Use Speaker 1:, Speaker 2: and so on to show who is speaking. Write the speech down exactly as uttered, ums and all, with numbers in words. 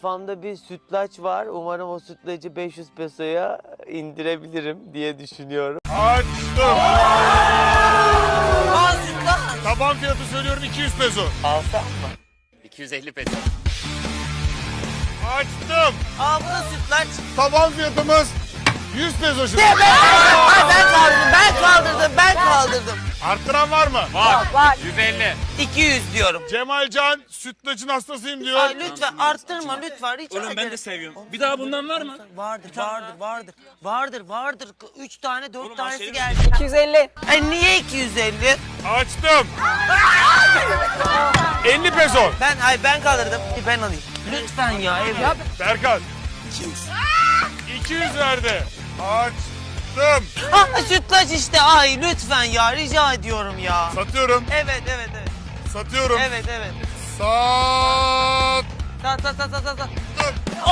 Speaker 1: Kafamda bir sütlaç var. Umarım o sütlacı beş yüz pesoya indirebilirim diye düşünüyorum.
Speaker 2: Açtım.
Speaker 3: Aa sütlaç.
Speaker 2: Taban fiyatı söylüyorum iki yüz peso.
Speaker 1: Alsam mı?
Speaker 4: iki yüz elli peso.
Speaker 2: Açtım.
Speaker 3: Aa bu da sütlaç.
Speaker 2: Taban fiyatımız yüz peso şimdi.
Speaker 3: Ay ben kaldırdım, ben kaldırdım, ben kaldırdım.
Speaker 2: Arttıran var mı?
Speaker 4: Var. yüz elli.
Speaker 3: iki yüz diyorum.
Speaker 2: Cemalcan sütlacın hastasıyım diyor.
Speaker 3: Ay lütfen arttırma lütfen rica
Speaker 5: Oğlum ben
Speaker 3: ederim.
Speaker 5: de seviyorum. Bir daha bundan var mı?
Speaker 3: Vardır, vardır, vardır. Vardır, vardır. Üç tane, dört
Speaker 5: Oğlum,
Speaker 3: tanesi
Speaker 5: aşerim
Speaker 3: geldi.
Speaker 6: iki yüz elli.
Speaker 3: Ay niye iki yüz elli?
Speaker 2: Açtım. elli peso.
Speaker 3: Ben, ay ben kaldırdım. Ben alayım. Lütfen ya, evet.
Speaker 2: Berkan. iki yüz verdi. Açtım.
Speaker 3: Ah sütlaç işte, ay lütfen ya, rica ediyorum ya.
Speaker 2: Satıyorum.
Speaker 3: Evet, evet, evet.
Speaker 2: Satıyorum.
Speaker 3: Evet, evet.
Speaker 2: Sat.
Speaker 3: Sat, sat, sat, sat, sat.